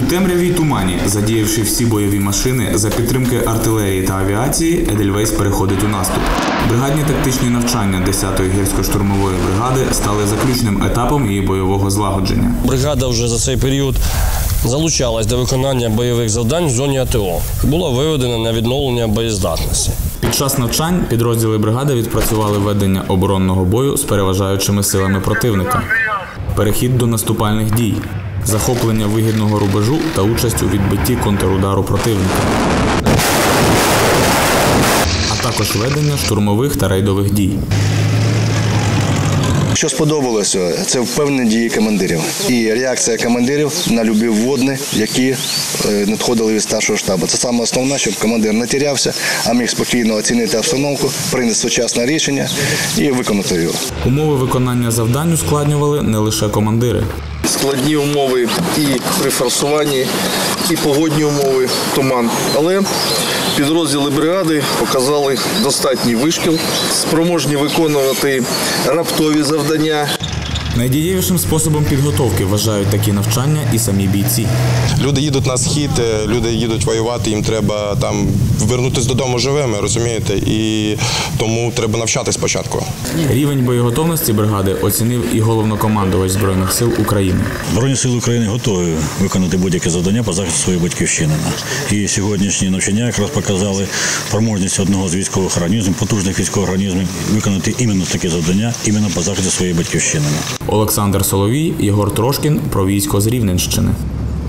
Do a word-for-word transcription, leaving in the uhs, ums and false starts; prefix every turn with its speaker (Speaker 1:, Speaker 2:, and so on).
Speaker 1: темряві й тумані, задіявши всі бойові машини, за підтримки артилерії та авіації, Едельвейс переходить у наступ. Бригадні тактичні навчання десятої гірсько-штурмової бригади стали заключним етапом її бойового злагодження.
Speaker 2: Бригада вже за цей період залучалась до виконання бойових завдань в зоні АТО. Була виведена на відновлення боєздатності.
Speaker 1: Під час навчань підрозділи бригади відпрацювали ведення оборонного бою з переважаючими силами противника, перехід до наступальних дій, захоплення вигідного рубежу та участь у відбитті контрудару противника, а також ведення штурмових та рейдових дій.
Speaker 3: Що сподобалося, це впевнені дії командирів і реакція командирів на любі вводні, які надходили від старшого штабу. Це саме основне, щоб командир не тірявся, а міг спокійно оцінити обстановку, прийняти сучасне рішення і виконати його.
Speaker 1: Умови виконання завдань ускладнювали не лише командири.
Speaker 4: Складні умови і при форсуванні, і погодні умови, туман. Але підрозділи бригади показали достатній вишкіл, спроможні виконувати раптові завдання.
Speaker 1: Найдієвішим способом підготовки вважають такі навчання і самі бійці.
Speaker 5: Люди їдуть на схід, люди їдуть воювати, їм треба там повернутися додому живими, розумієте? І тому треба навчати спочатку.
Speaker 1: Рівень боєготовності бригади оцінив і головнокомандувач Збройних сил України.
Speaker 6: Збройні сили України готові виконати будь-яке завдання по захисту своєї батьківщини. І сьогоднішні навчання якраз показали спроможність одного з військових організмів, потужних військових організмів, виконати іменно таке завдання, іменно по захисту своєї батьківщини.
Speaker 1: Олександр Соловій, Єгор Трошкін про військо з Рівненщини.